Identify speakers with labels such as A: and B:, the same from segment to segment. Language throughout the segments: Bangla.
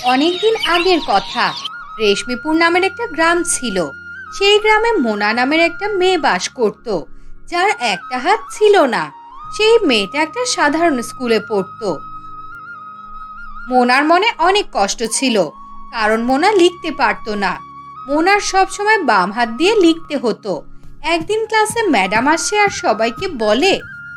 A: অনেকদিন আগের কথা। রেশমিপুর নামের একটা গ্রাম ছিল। সেই গ্রামে মোনা নামের একটা মেয়ে বাস করত, যার একটা হাত ছিল না। সেই মেয়েটা একটা সাধারণ স্কুলে পড়তো। মোনার মনে অনেক কষ্ট ছিল, কারণ মোনা লিখতে পারতো না। মোনার সব সময় বাম হাত দিয়ে লিখতে হতো। একদিন ক্লাসে ম্যাডাম আসে আর সবাইকে বলে,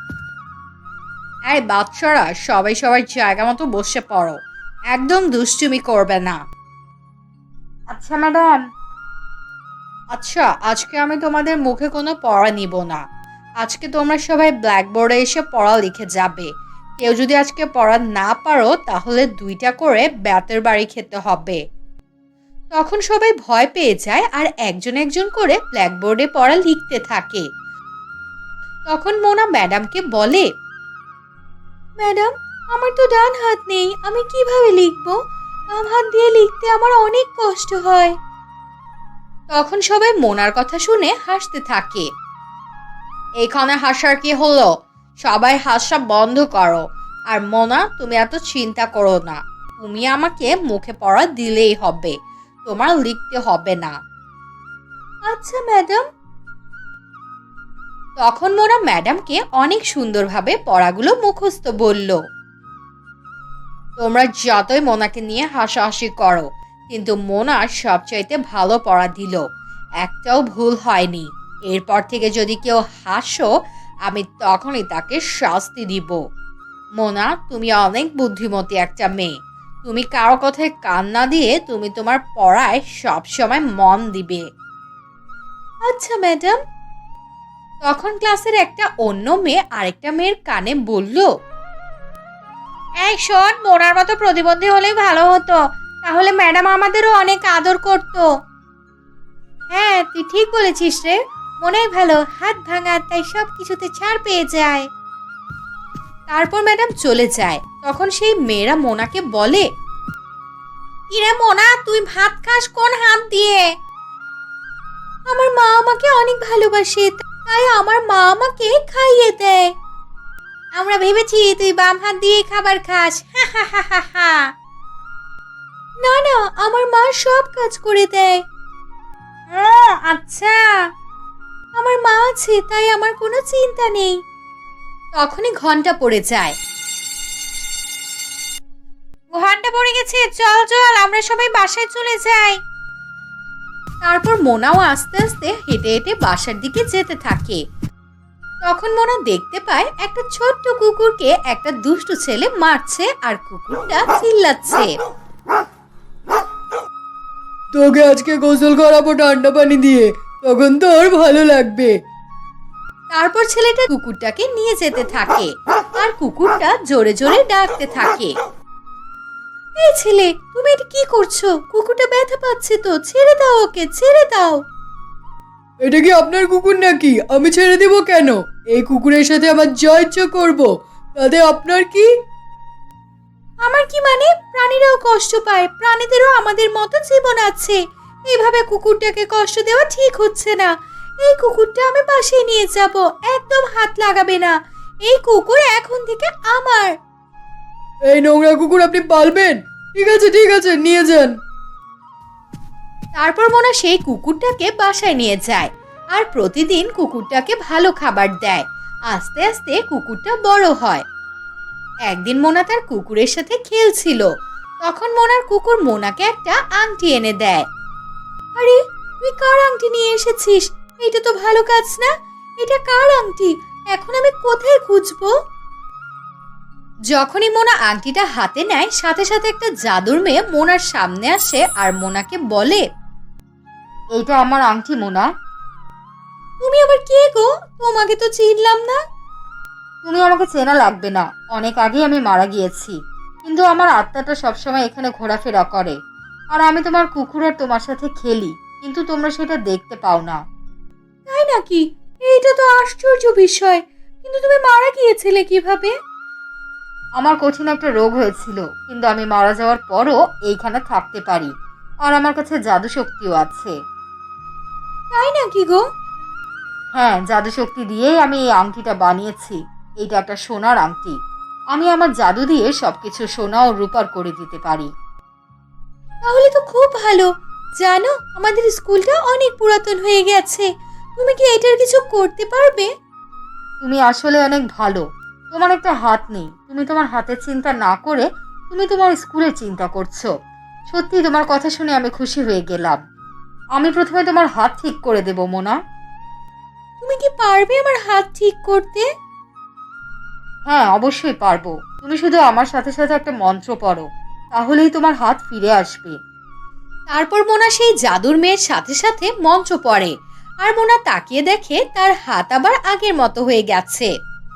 A: এই বাচ্চারা সবাই সবার জায়গা মতো বসে পড়ো, একদম দুষ্টুমি করবে না। আচ্ছা ম্যাডাম। আচ্ছা, আজকে আমি তোমাদের মুখে কোনো পড়া নিব না। আজকে তোমরা সবাই ব্ল্যাকবোর্ডে এসে পড়া লিখে যাবে। কেউ যদি আজকে পড়া না পারো তাহলে 2টা করে বেতের বাড়ি খেতে হবে। তখন সবাই ভয় পেয়ে যায় আর একজন একজন করে ব্ল্যাকবোর্ডে পড়া লিখতে থাকে। তখন মোনা ম্যাডামকে বলে, ম্যাডাম, আমার তো ডান হাত নেই, আমি কিভাবে লিখবো? বাম হাত দিয়ে লিখতে আমার অনেক কষ্ট হয়। তখন সবাই মোনার কথা শুনে হাসতে থাকে। এখানে হাসার কি হলো? সবাই হাসা বন্ধ করো। আর মোনা, তুমি এত চিন্তা করো না, তুমি আমাকে মুখে পড়া দিলেই হবে, তোমার লিখতে হবে না। আচ্ছা ম্যাডাম। তখন মোনা ম্যাডামকে অনেক সুন্দরভাবে পড়াগুলো মুখস্থ বলল। তোমরা যতই মোনাকে নিয়ে হাসাহাসি করো, কিন্তু মোনা সবচাইতে ভালো পড়া দিল, একটাও ভুল হয়নি। এরপর থেকে যদি কেউ হাসো, আমি তখনই তাকে শাস্তি দিব। মোনা, তুমি অনেক বুদ্ধিমতী একটা মেয়ে। তুমি কারো কথায় কান না দিয়ে তুমি তোমার পড়ায় সবসময় মন দিবে। আচ্ছা ম্যাডাম। তখন ক্লাসের একটা অন্য মেয়ে আরেকটা মেয়ের কানে বলল, এই শোন, মোনার মতো প্রতিবন্ধী হলেই ভালো হতো, তাহলে ম্যাডাম আমাদেরও অনেক আদর করতো। হ্যাঁ, তুই ঠিক বলেছিস রে, মনেই ভালো, হাত ভাঙা তাই সব কিছুতে ছাড় পেয়ে যায়। তারপর ম্যাডাম চলে যায়। তখন সেই মেয়েরা মোনাকে বলে, ইরে মোনা, তুই ভাত খাস কোন হাত দিয়ে? আমার মা আমাকে অনেক ভালোবাসে, তাই আমার মা আমাকে খাইয়ে দেয়। আমরা ভেবেছি তুই বাম হাত দিয়ে খাবার খাস। না না, আমার মা সব কাজ করে দেয়। ও আচ্ছা, আমার মা আছে তাই আমার কোনো চিন্তা নেই। তখনই ঘন্টা পড়ে যায়। ঘন্টা পড়ে গেছে, চল চল আমরা সবাই বাসায় চলে যাই। তারপর মোনাও আস্তে আস্তে হেঁটে হেঁটে বাসার দিকে যেতে থাকে। তখন মোনা দেখতে পায় একটা ছোট্ট কুকুরকে একটা দুষ্টু ছেলে মারছে আর কুকুরটা চিল্লাচ্ছে,
B: তোকে আজকে গোসল করাবো ঠান্ডা পানি দিয়ে, তখন তোর ভালো লাগবে।
A: তারপর ছেলেটা কুকুরটাকে নিয়ে যেতে থাকে আর কুকুরটা জোরে জোরে ডাকতে থাকে, এই ছেলে, তুমি এটা কি করছো? কুকুরটা ব্যথা পাচ্ছে তো, ছেড়ে দাও ওকে, ছেড়ে দাও।
B: এটা কি আপনার কুকুর নাকি? আমি ছেড়ে দিব কেন? এই কুকুরের সাথে আমার যা ইচ্ছা করবো, তাতে আপনার কি?
A: আমার কি মানে? প্রাণীরাও কষ্ট পায়, প্রাণীদেরও আমাদের মতো জীবন আছে। এইভাবে কুকুরটাকে কষ্ট দেওয়া ঠিক হচ্ছে না। এই কুকুরটা আমি পাশে নিয়ে যাব, একদম হাত লাগাবে না। এই কুকুর এখন থেকে আমার।
B: এই নোংরা কুকুর আপনি পালবেন? ঠিক আছে, নিয়ে যান।
A: তারপর মোনা সেই কুকুরটাকে বাসায় নিয়ে যায় আর প্রতিদিন কুকুরটাকে ভালো খাবার দেয়। আস্তে আস্তে কুকুরটা বড় হয়। একদিন মোনা তার কুকুরের সাথে খেলছিল। তখন মোনার কুকুর মোনাকে একটা আংটি এনে দেয়। আরে, তুই কার আংটি নিয়ে এসেছিস? এটা তো ভালো কাজ না। এটা কার আংটি? এখন আমি কোথায় খুঁজবো? যখনই মোনা আংটিটা হাতে নেয়, সাথে সাথে একটা জাদুর মেয়ে মোনার সামনে আসে আর মোনাকে বলে, এইটা আমার আংটি মোনা। তুমি আবার কে গো? তোমাকে তো চিনলাম না। তুমি আমাকে চেনা লাগবে না, অনেক আগে আমি মারা গিয়েছি, কিন্তু আমার আত্মাটা সবসময় এখানে ঘোরাফেরা করে। আর আমি তোমার কুকুর আর তোমার সাথে খেলি, কিন্তু তোমরা সেটা দেখতে পাও না। তাই নাকি? এইটা তো আশ্চর্য বিষয়। কিন্তু তুমি মারা গিয়েছিলে কিভাবে? আমার কঠিন একটা রোগ হয়েছিল, কিন্তু আমি মারা যাওয়ার পরও এইখানে থাকতে পারি। আর আমার কাছে জাদু শক্তিও আছে। তাই নাকি গো? হ্যাঁ, জাদু শক্তি দিয়েই আমি এই আংটিটা বানিয়েছি। এইটা একটা সোনার আংটি। আমি আমার জাদু দিয়ে সবকিছু সোনা ও রূপার করে দিতে পারি। তাহলে তো খুব ভালো। জানো, আমাদের স্কুলটা অনেক পুরাতন হয়ে গেছে। তুমি কি এটার কিছু করতে পারবে? তুমি আসলে অনেক ভালো। তোমার একটা হাত নেই, তুমি তোমার হাতের চিন্তা না করে তুমি তোমার স্কুলের চিন্তা করছো। সত্যি তোমার কথা শুনে আমি খুশি হয়ে গেলাম। আমি প্রথমে তোমার হাত ঠিক করে দেব মোনা। তুমি কি পারবে আমার হাত ঠিক করতে? হ্যাঁ, অবশ্যই পারবো। তুমি শুধু আমার সাথে সাথে একটা মন্ত্র পড়ো, তাহলেই তোমার হাত ফিরে আসবে। তারপর মোনা সেই জাদুর মেয়ের সাথে সাথে মন্ত্র পড়ে, আর মোনা তাকিয়ে দেখে তার হাত আবার আগের মতো হয়ে গেছে।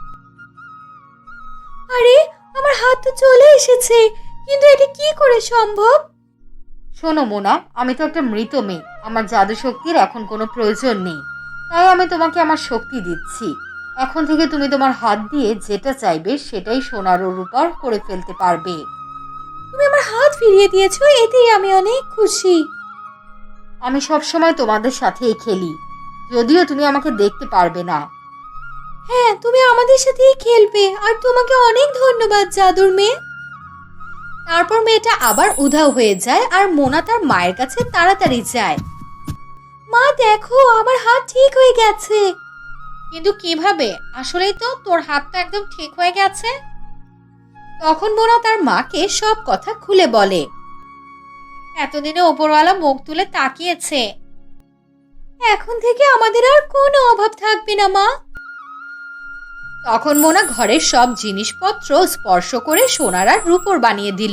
A: আরে, আমার হাত তো চলে এসেছে, কিন্তু এটা কি করে সম্ভব? শোনো মোনা, আমি তো একটা মৃত মেয়ে, আমার জাদু শক্তির এখন কোনো প্রয়োজন নেই। তাই আমি তোমাকে আমার শক্তি দিচ্ছি। এখন থেকে তুমি তোমার হাত দিয়ে যেটা চাইবে সেটাই সোনার ও রূপার করে ফেলতে পারবে। তুমি আমার হাত ফিরিয়ে দিয়েছো, এতেই আমি অনেক খুশি। আমি সবসময় তোমাদের সাথেই খেলি, যদিও তুমি আমাকে দেখতে পারবে না। হ্যাঁ, তুমি আমাদের সাথেই খেলবে, আর তোমাকে অনেক ধন্যবাদ জাদুর মেয়ে। তারপর মেয়েটা আবার উধাও হয়ে যায়, আর মোনা তার মায়ের কাছে তাড়াতাড়ি যায়। মা দেখো, আমার হাত ঠিক হয়ে গেছে। কিন্তু কিভাবে? আসলেই তো তোর হাত তো একদম ঠিক হয়ে গেছে। তখন মোনা তার মাকে সব কথা খুলে বলে। এতদিনে ওপরওয়ালা মুখ তুলে তাকিয়েছে। এখন থেকে আমাদের আর কোনো অভাব থাকবে না মা। তখন মোনা ঘরের সব জিনিসপত্র স্পর্শ করে সোনার আর রূপোর বানিয়ে দিল।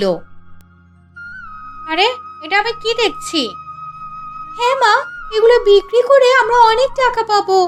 A: আরে, এটা আমি কি দেখছি? হ্যাঁ মা, এগুলো বিক্রি করে আমরা অনেক টাকা পাবো।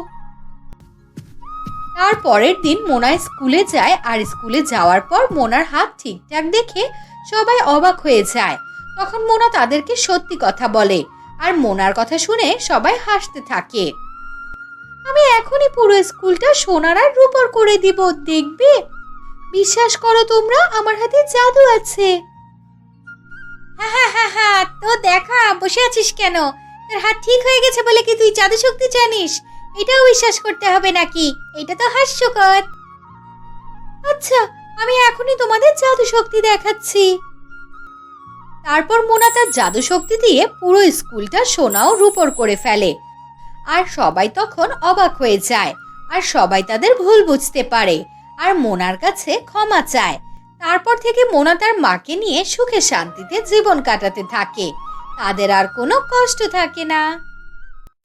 A: তার পরের দিন মোনা স্কুলে যায়, আর স্কুলে যাওয়ার পর মোনার হাত ঠিকঠাক দেখে সবাই অবাক হয়ে যায়। তখন মোনা তাদেরকে সত্যি কথা বলে, আর মোনার কথা শুনে সবাই হাসতে থাকে। আমি এখনই পুরো স্কুলটা সোনার আর রূপোর করে দিব, দেখবে? বিশ্বাস করো তোমরা, আমার হাতে জাদু আছে। হ্যাঁ হ্যাঁ হ্যাঁ হ্যাঁ, তো দেখা, বসে আছিস কেন? তোর হাত ঠিক হয়ে গেছে বলে কি তুই জাদু শক্তি জানিস? এটাও বিশ্বাস করতে হবে নাকি? এটা তো হাস্যকর। আচ্ছা, আমি এখনই তোমাদের জাদু শক্তি দেখাচ্ছি। তারপর মোনা তার জাদু শক্তি দিয়ে পুরো স্কুলটা সোনা ও রূপোর করে ফেলে, আর সবাই তখন অবাক হয়ে যায়, আর সবাই তাদের ভুল বুঝতে পারে, আর মোনার কাছে ক্ষমা চায়। তারপর থেকে মোনা তার মাকে নিয়ে সুখে শান্তিতে জীবন কাটাতে থাকে। তাদের আর কোনো কষ্ট থাকে না।